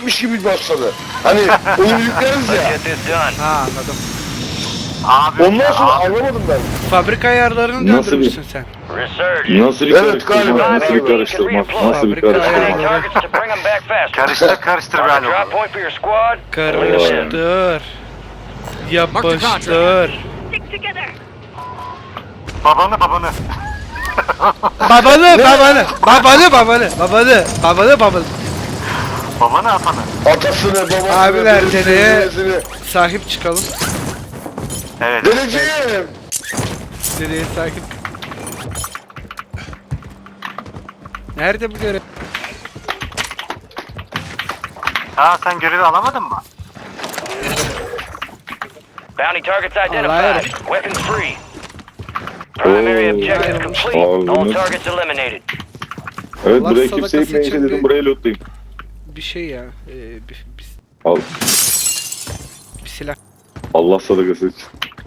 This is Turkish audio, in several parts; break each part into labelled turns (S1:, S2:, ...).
S1: yüklenecekmiş gibi başladı. Hani oyunu yükleriz ya.
S2: Get this done.
S3: Ha anladım.
S4: Abi.
S1: Ondan sonra
S4: abi.
S1: anlamadım ben.
S3: Fabrika ayarlarını
S5: Nasıl
S3: döndürmüşsün sen.
S2: Resurgence.
S5: Nasıl bir
S1: Evet,
S5: karıştırma?
S1: galiba.
S5: Nasıl bir karıştırma? Nasıl bir
S3: Fabrika
S5: karıştırma?
S2: Eliminating
S3: ayarları.
S2: targets to bring them back faster.
S4: Karıştır
S2: Mark a
S4: galiba.
S2: drop point for your squad.
S3: Karıştır. Yapıştır.
S4: Babanı.
S3: Babanı.
S4: Babanı atanı.
S1: Atasını, babasını,
S3: Abiler,
S1: dedesini,
S3: dedeye-
S1: nenesini.
S3: Sahip çıkalım.
S4: Evet.
S1: Dedeciğim.
S3: Nereye sahip? Nerede bu görev?
S4: Ha sen görevi alamadın mı?
S2: Bounty targets
S3: Alright.
S2: identified. Weapons free. Primary objective complete.
S5: Alright.
S2: All targets eliminated.
S5: Evet
S3: Allah
S5: burayı
S3: sadakası
S5: kimse yiyince
S3: için
S5: dedim
S3: bir-
S5: burayı lootlayayım.
S3: Bir şey ya.
S5: Al.
S3: Bir silah.
S5: Allah sadakası için.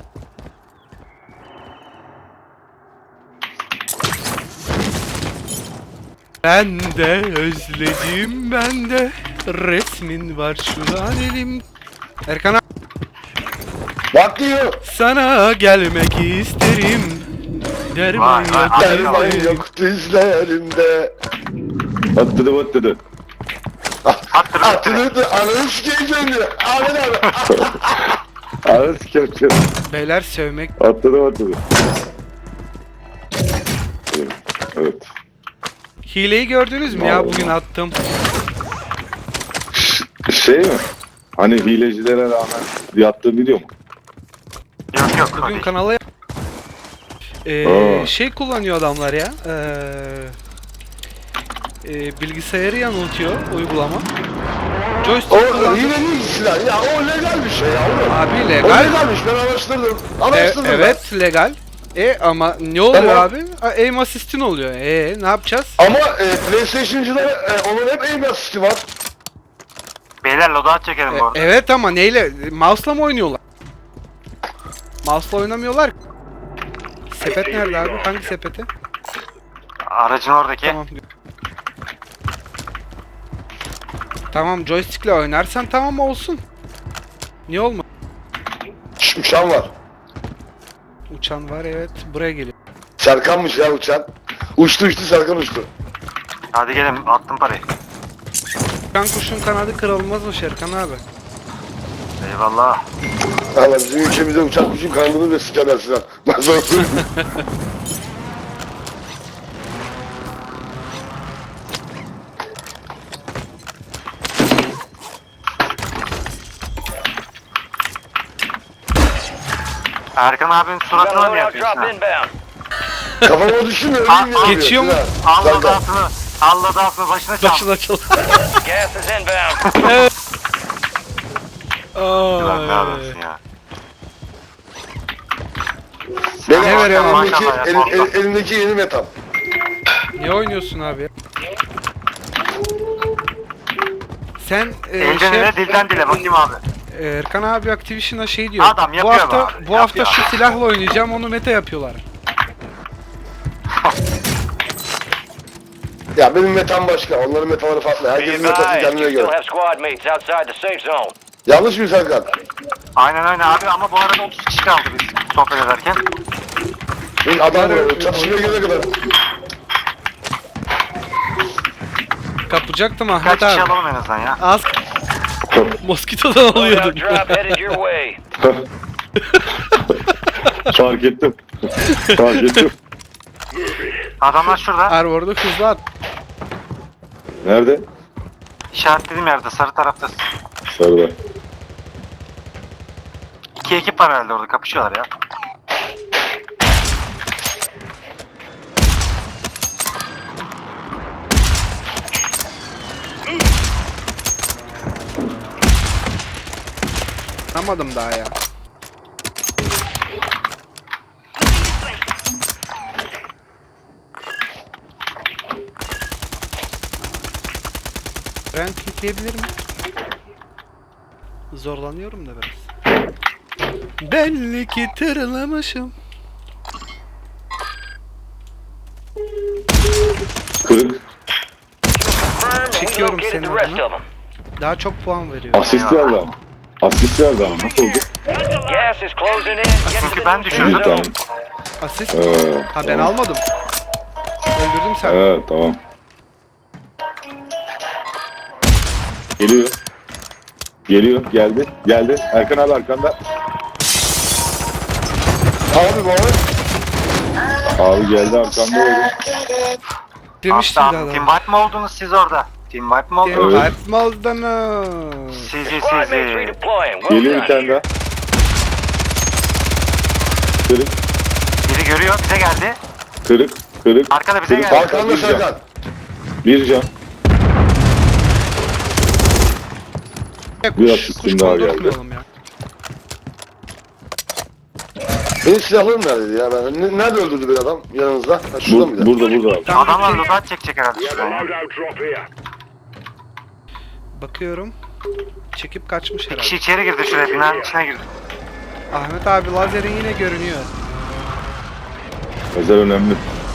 S3: Ben de özledim ben de. Resmin var şu an elim. Erkan abi,
S1: Bak diyor.
S3: sana gelmek isterim. Derman
S4: Vay,
S3: yok
S4: vay,
S1: Derman
S3: derdim.
S1: yok dizlerimde.
S5: Atladı.
S1: Atını ananı sikeyim seni. Ahmet abi.
S5: Ağır sikerken.
S3: Beyler sövmek.
S5: Atladı. Evet.
S3: Hileyi gördünüz mü ya bugün attım.
S5: Şey mi? Hani hilecilere rağmen yattığım video mu?
S4: Yok.
S3: Bugün
S4: Hadi.
S3: kanala
S5: Aa.
S3: şey kullanıyor adamlar ya. Bilgisayarı yanıltıyor uygulama. Joystick
S1: O
S3: kullanıyor.
S1: yine ne silah ya, o legal bir şey ya oğlum.
S3: Abi
S1: O
S3: legal.
S1: legalmiş, ben araştırdım. Araştırdım
S3: Evet legal. Ama ne oluyor
S1: Tamam.
S3: abi? Aim assist'in oluyor. Ne yapacağız?
S1: Ama PlayStation'cıda onun hep aim assist'i var.
S4: Beyler loadout çekelim bu arada.
S3: Evet ama neyle? Mouse'la mı oynuyorlar? Mouse'la oynamıyorlar. Sepet nerede abi? Hangi sepeti?
S4: Aracın oradaki.
S3: Tamam. Tamam joystick'le oynarsan tamam olsun. Niye olma?
S1: Uçan var.
S3: Uçan var evet. Buraya geliyor.
S1: Serkan'mış ya uçan. Uçtu Serkan uçtu.
S4: Hadi gelin attım parayı.
S3: Uçan kuşun kanadı kırılmazmış Erkan abi.
S4: Eyvallah.
S1: Allah bizim ülkemizde uçak kuşun kanadını ve sikerler Sinan. Ben sana söyleyeyim.
S4: Erkan abinin
S2: Got a
S4: suratına mı
S2: loadout
S4: yapıyorsun?
S2: drop
S4: ha?
S2: inbound.
S1: Kafama düşün öleyim ya.
S3: Geçiyor mu?
S4: Al
S1: Serkan.
S4: loadout'unu. Al loadout'unu başına çal.
S3: Başına çal.
S2: Gas is inbound.
S4: Ulan ne
S3: Ay.
S4: adamsın ya.
S1: Benim
S3: Ne veriyor
S1: elimdeki,
S4: maşallah ya, vallahi.
S1: elimdeki yeni metam.
S3: Ne oynuyorsun abi? Sen
S4: Elden ele dilden dile bakayım abi.
S3: Erkan abi Activision'a şey diyor.
S4: Adam
S3: bu
S4: yapıyor
S3: hafta
S4: be abi,
S3: bu hafta
S4: yapıyor.
S3: şu silahla oynayacağım onu meta yapıyorlar.
S1: Ya benim metam başka, onların metaları farklı.
S2: Be
S1: Herkesin metası
S2: advised, you
S1: kendine
S2: still
S1: göre.
S2: have squad mates outside the safe zone.
S1: Yanlış mı Serkan?
S4: Aynen abi ama bu arada 30 kişi kaldı biz sohbet ederken.
S1: Bir adam var, çatışmaya gelene kadar.
S3: Kapacaktım
S4: Kaç
S3: Ahmet
S4: kişi
S3: abi.
S4: alalım en azından ya.
S3: Az Moskito'dan
S2: Loadout
S3: alıyordum.
S2: drop headed your way.
S5: Fark ettim. Fark ettim.
S4: Adamlar şurada.
S3: Arvor'da hızlı at.
S5: Nerede?
S4: İşaretlediğim yerde sarı tarafta.
S5: Sarıda.
S4: 2 ekip var herhalde orada kapışıyorlar ya.
S3: Anlamadım daha ya. Ben kilitleyebilir mi? Zorlanıyorum da biraz. Belli ki tırlamışım.
S5: Kırık.
S2: Confirmed, we
S3: Çekiyorum
S2: located
S3: seni
S2: the rest
S3: adına.
S2: of them.
S3: Daha çok puan veriyor.
S5: Asist verdi ama. Asist verdi ama. Nasıl oldu?
S2: Gas is closing in. Get to
S4: Çünkü
S2: the
S4: ben
S2: new
S4: düşürdüm.
S2: safe
S5: Tamam.
S2: zone.
S3: Asist. Ha ben
S5: Tamam.
S3: almadım. Öldürdüm sen.
S5: Evet tamam. Geliyor. Geliyor. Geldi. Geldi. Erkan abi arkanda.
S1: Abi baba.
S5: Abi geldi arkanda oldu.
S3: Demiştim
S4: Hatta
S3: zaten.
S4: team wipe mi oldunuz siz orada? Team wipe mi oldunuz?
S5: Evet.
S3: Kalpmazdanız.
S4: Sizi
S2: Squad mates
S4: sizi.
S2: redeploying. Well
S5: Geliyor bir
S2: done.
S5: tane daha. Kırık.
S4: Biri görüyor bize geldi.
S5: Kırık. Kırık.
S4: Arkada bize
S5: Kırık.
S4: geldi.
S1: Arkanda
S5: Bir can.
S1: Serkan.
S5: Bir can. Bir
S3: Kuş
S5: asistim daha geldi.
S3: kondurtmayalım ya.
S1: Benim silahlarım neredeydi ya? Nerede öldürdü bir adam yanınızda? Ha, şurada mıydı?
S5: Burada abi.
S3: Tam
S4: Adamlar
S3: bir-
S4: loot çekecek herhalde şuraya.
S3: Bakıyorum. Çekip kaçmış
S4: Bir kişi
S3: herhalde.
S4: içeri girdi şuraya, binanın içine girdi.
S3: Ahmet abi lazerin yine görünüyor.
S5: Özel önemli.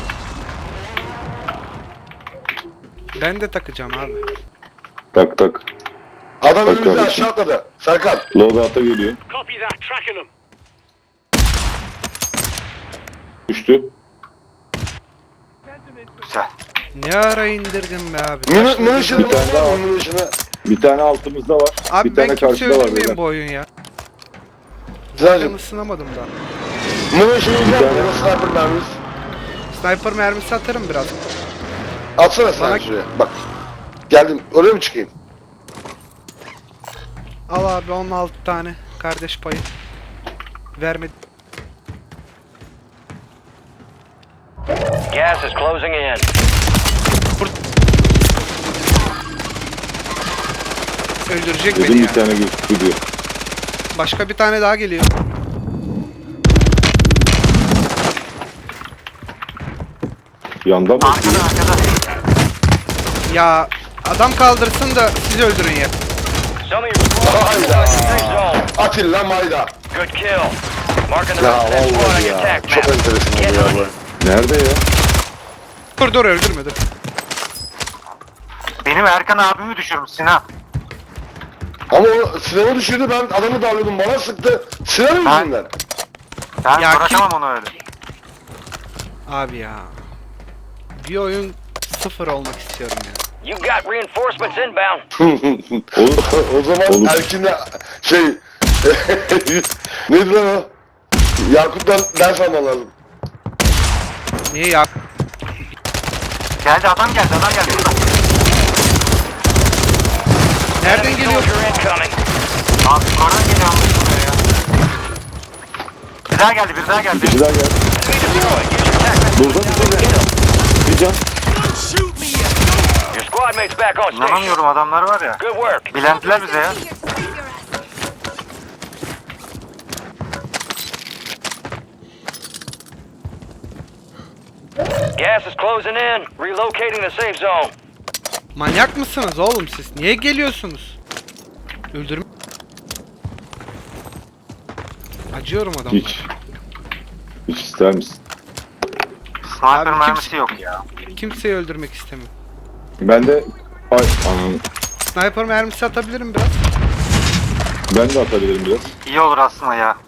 S3: Ben de takacağım abi.
S5: Tak tak.
S1: Adam
S5: Bak
S1: önümüzde
S5: kardeşim.
S1: aşağı atladı. Serkan.
S5: Loadout'a geliyor. Düştü.
S4: Güzel.
S3: Ne ara indirdin be abi?
S1: Munition'ı
S5: Bir tane daha
S1: var
S5: var.
S1: mı? Munition'ı.
S5: Bir tane altımızda var.
S3: Abi
S5: bir
S3: ben
S5: tane
S3: kimse
S5: karşıda var.
S3: öldürmeyeyim
S5: beyler.
S3: bu oyun ya.
S1: Güzelce.
S3: Ben ısınamadım da.
S1: Munition'ı var
S5: tane.
S1: mı? Sniper mermimiz.
S3: Sniper mermisi atarım biraz.
S1: Atsana sen
S3: Bana-
S1: şuraya. Bak. Geldim. Oraya mı çıkayım?
S3: Al abi 16 tane kardeş payı. Vermedi.
S2: Gas is closing in.
S3: Öldürecek
S5: Dedim
S3: beni
S5: bir
S3: ya.
S5: tane gözüktü diyor.
S3: Başka bir tane daha geliyor.
S5: Yandan mı?
S4: Arkada arkada.
S3: Ya adam kaldırsın da siz öldürün ya.
S2: Some of your squad is inside the safe zone.
S1: Atilla Mayda.
S2: Good kill. Marking the
S1: Ya
S2: rest of that squad on
S1: vallahi
S2: your
S1: ya.
S2: attack
S1: Çok
S2: map.
S1: enteresan
S2: Get
S1: oldu ya
S2: hunting.
S1: bu.
S5: Nerede ya?
S3: Dur öldürme dur.
S4: Benim Erkan abimi düşürmüş Sinan.
S1: Ama o silahı düşürdü, ben adamı darlıyordum, bana sıktı. Silahı
S4: Ben-
S1: yüzünden.
S4: Ben
S3: Ya
S4: bırakamam onu öyle.
S3: Abi ya. Bir oyun sıfır olmak istiyorum ya.
S2: You got reinforcements inbound.
S5: Olur.
S1: O zaman
S5: Olur.
S1: Erkin'le şey neydi lan o? Yakut'tan ders alman lazım.
S3: Niye ya?
S4: Geldi adam geldi burada.
S3: Nereden
S2: Enemy
S3: geliyor?
S2: soldier incoming.
S4: Abi yukarıdan geliyor buraya ya. Bir daha geldi bir daha geldi.
S5: Bir daha gel.
S2: Enemy deployed. Use your tactics.
S5: Burada bir can.
S2: Your squad mates back on station.
S4: İnanamıyorum adamlar var ya.
S2: Good work.
S4: Bilendiler bize ya.
S2: Gas is closing in. Relocating the safe zone.
S3: Manyak mısınız oğlum siz? Niye geliyorsunuz? Öldürme. Acıyorum adamlara.
S5: Hiç. Hiç ister misin?
S4: Sniper
S3: Abi
S4: mermisi yok ya.
S3: Kimseyi öldürmek istemiyorum.
S5: Ben de... Ay anam.
S3: Sniper mermisi atabilirim biraz.
S5: Ben de atabilirim biraz.
S4: İyi olur aslında ya.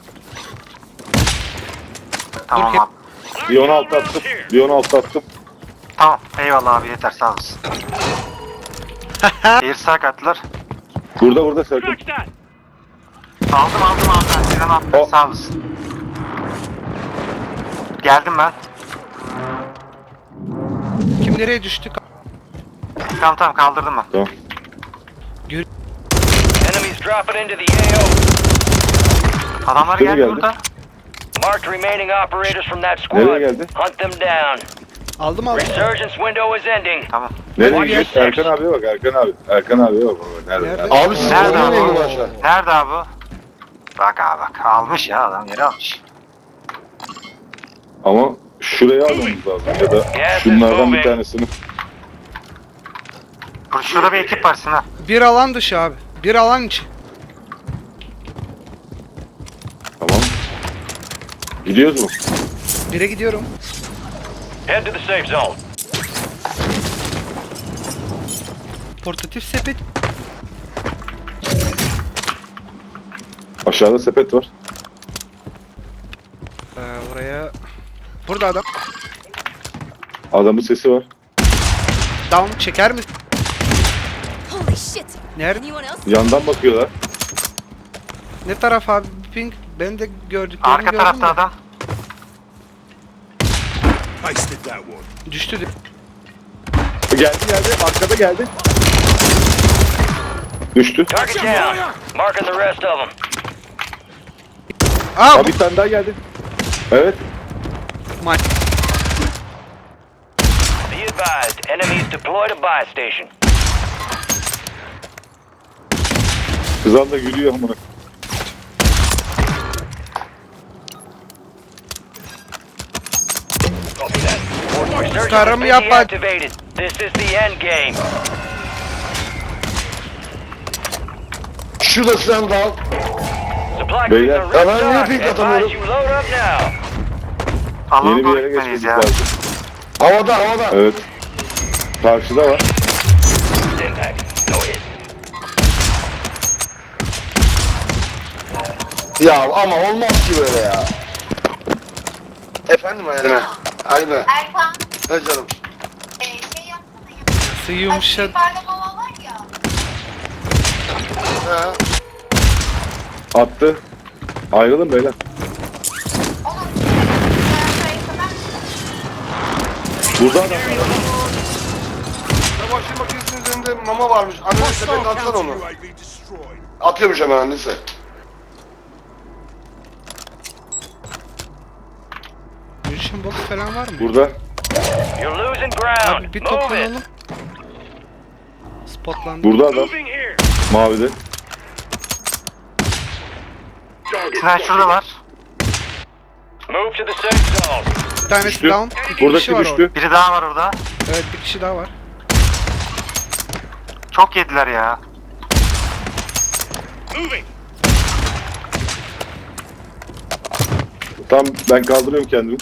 S4: Tamam
S3: Dur,
S4: abi.
S5: Bir 16 attım. Bir 16 attım.
S4: Tamam eyvallah abi yeter sağ olasın. Bir saat attılar.
S5: Burada Serkan.
S4: Aldım abi. Sinan abi
S5: O-
S4: sağ olasın. Geldim ben.
S3: Kim nereye düştü?
S4: Tamam kaldırdım ben.
S5: Tamam.
S2: Enemies dropping into the AO.
S4: Adamlar
S5: Biri
S4: geldi
S5: geldi.
S4: burada.
S2: Marked remaining operators from that squad.
S5: Nereye geldi?
S2: Hunt them down.
S3: Aldım.
S2: Resurgence window is ending.
S4: Tamam.
S5: Nereye
S2: Watch
S5: gidiyorsun?
S2: your
S5: Erkan abiye bak Erkan abiye bak. Nerede?
S3: Nerede?
S5: Nerede?
S1: Abi siz
S4: Nerede
S1: oraya mı
S4: abi?
S1: indin aşağı?
S4: Nerede abi? Bak abi bak almış ya adam yeri almış.
S5: Ama şuraya almamız lazım ya da şunlardan bir tanesini.
S4: Şurada bir ekip var Sinan.
S3: Bir alan dışı abi. Bir alan içi.
S5: Tamam. Gidiyoruz mu?
S3: Bire gidiyorum.
S2: Head to the safe zone.
S3: Portatif sepet.
S5: Aşağıda sepet var.
S3: Oraya... Burada adam.
S5: Adamın sesi var.
S3: Down çeker misin?
S6: Holy shit!
S3: Nerede?
S6: Anyone else?
S5: Yandan bakıyorlar.
S3: Ne taraf abi? Pink. Ben de gördüklerimi
S4: Arka
S3: gördüm
S4: tarafta
S3: de.
S4: adam.
S3: Düştü.
S5: Geldi. Arkada geldi. Düştü.
S2: Target down. Marking the rest of them.
S3: Aa,
S5: Bir tane daha geldi. Evet.
S3: bu maç.
S2: Be advised, enemies deployed a buy station.
S5: Kızan da gülüyor amına.
S2: Resurgence
S3: Karımı
S2: has been
S3: yapma.
S2: deactivated. This is the end game.
S1: Şurada silah da al.
S2: Supply
S5: Beyler,
S2: crates are
S1: ben niye
S2: restocked.
S1: pink
S2: Advise
S1: atamıyorum?
S2: you load up now.
S4: Alana
S5: Yeni bir
S4: doğru
S5: yere
S4: gitmeliyiz
S5: geçmemiz
S4: ya.
S5: lazım.
S1: Havada.
S5: Evet. Karşıda var.
S2: Impact. No hit.
S1: Ya ama olmaz ki böyle ya. Efendim Aynen. Aynen.
S7: Erkan,
S1: Ne canım?
S7: şey yapsana ya.
S3: Nasıl yumuşadı.
S7: Yukarıda mama var ya.
S1: He.
S5: Attı. Ayrılın beyler.
S7: Onun sayısı kadar.
S5: Burada adam var.
S1: Çamaşır makinesinin üzerinde mama varmış. Anne sepet atsana onu. Atıyormuş hemen annesi.
S3: Munition box falan var mı?
S5: Burada.
S2: You're losing ground.
S3: Abi bir
S2: Move it.
S3: toplanalım. Spotlandı.
S5: Burada adam. Mavide.
S4: Sinan şurada var.
S2: Move to the safe zone.
S3: Bir tanesi
S5: Düştü.
S3: down. İki kişi
S5: Buradaki
S3: var
S5: düştü.
S3: orada.
S4: Biri daha var orada.
S3: Evet, bir kişi daha var.
S4: Çok yediler ya.
S5: Tam ben kaldırıyorum kendimi.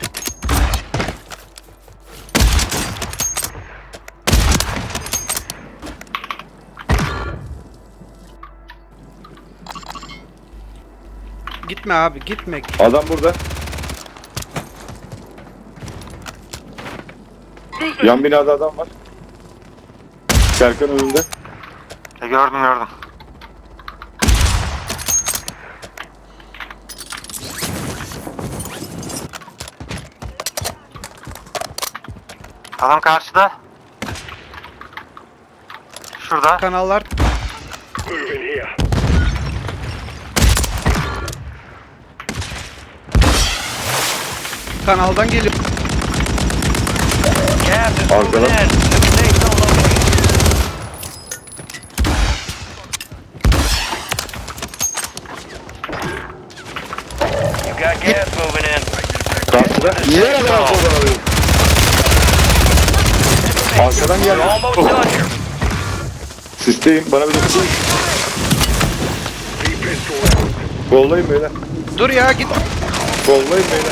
S3: Gitme abi, gitme.
S5: Adam burada. Yan binada adam var. Serkan önünde.
S4: Gördüm. Adam karşıda. Şurada.
S3: Kanallar kanaldan geliyor.
S2: Gas is
S5: Arkadan.
S2: moving in. To the safe zone location. You got gas moving in.
S5: Karşıda.
S1: Niye kadar sonra arıyorum?
S5: Arkadan
S2: You're
S5: geldi.
S2: almost done here.
S5: Sisteyim. Bana bir de tutun. Kollayın beyler.
S3: Dur ya, git.
S5: Kollayın beyler.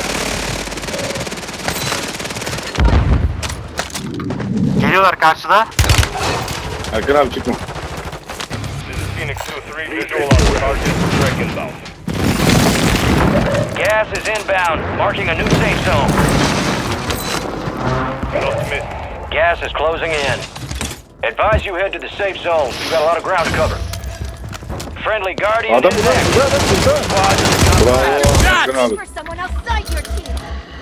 S4: Geliyorlar karşıda.
S5: Erkan abi çıkma.
S2: Phoenix 2-3 visual on target. Striking zone. Gas is inbound, marking a new safe zone. Gas is closing in. Advise you head to the safe zone. You've got a lot of ground to cover. Friendly Guardian
S5: Adam
S2: is
S5: burada.
S2: next.
S5: Burada adam burada.
S2: Squad is
S5: Bravo. Erkan abi.
S6: For someone outside your team.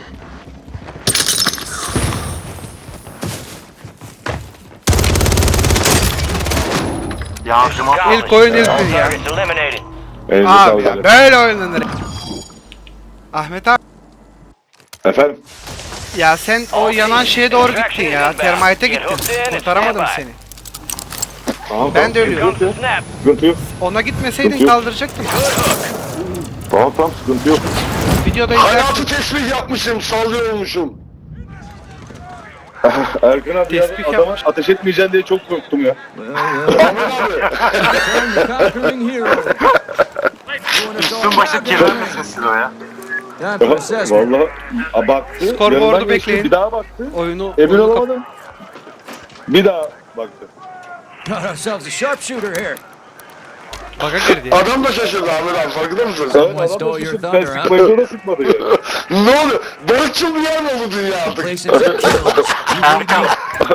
S4: Yardım
S2: accomplished.
S3: İlk oyun
S2: All
S3: ilk ya.
S2: targets eliminated.
S5: Elinize
S3: Abi
S5: sağlık.
S3: ya, böyle oynanır. Ahmet abi,
S5: Efendim.
S3: ya sen o yanan şeye doğru gittin ya. Termite gittin. Kurtaramadım seni.
S5: Tamam,
S3: Ben de
S2: Here
S3: ölüyorum.
S2: comes the snap.
S5: Sıkıntı yok.
S3: Ona gitmeseydin
S5: Yok, yok.
S3: kaldıracaktım.
S5: Tamam sıkıntı yok.
S3: Videoda izlersin.
S1: Hayatı tesbih yapmışım, sallıyormuşum.
S5: Erkan abi ya,
S3: Tespih
S5: adama
S3: yapmış.
S5: ateş etmeyeceksin diye çok korktum ya.
S1: Ahmet abi.
S4: Üstün başı kirlenmiş sesi o ya.
S5: Vallahi baktı.
S3: Scoreboard'u
S5: yanından geçti,
S3: bekleyin.
S5: Bir daha baktı.
S3: Oyunu
S5: Emin
S3: oyunu kap-
S5: olamadım. Bir daha baktı.
S8: Got ourselves a sharpshooter here.
S3: Baka girdi ya.
S1: Adam da şaşırdı Ahmet abi farkında mısın?
S5: Evet,
S8: Someone
S5: adam
S8: stole
S5: da
S8: your
S5: şaşırdı.
S8: thunder,
S5: Ben
S8: huh?
S5: sıkmayınca da sıkmadı yani.
S1: Ne oluyor? Barışçıl bir yer mi oldu dünya artık?
S8: Placing some kills. You lead me.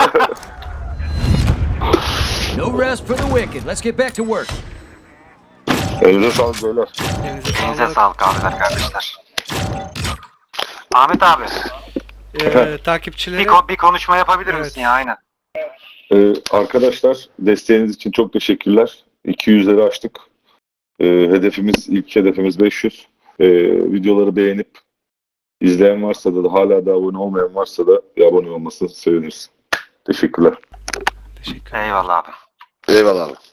S8: No rest for the wicked. Let's get back to work.
S5: Elinize sağlık beyler.
S3: Elinize
S4: Elinize
S3: sağlık.
S4: sağlık abiler kardeşler. Ahmet abi
S3: Takipçilere
S4: bir konuşma yapabilir
S3: Evet.
S4: misin ya aynen.
S5: Arkadaşlar desteğiniz için çok teşekkürler. 200'leri aştık. İlk hedefimiz 500. Videoları beğenip izleyen varsa da hala da abone olmayan varsa da bir abone olmasını seviniriz. Teşekkürler.
S3: teşekkür
S4: Eyvallah abi.
S1: Eyvallah abi.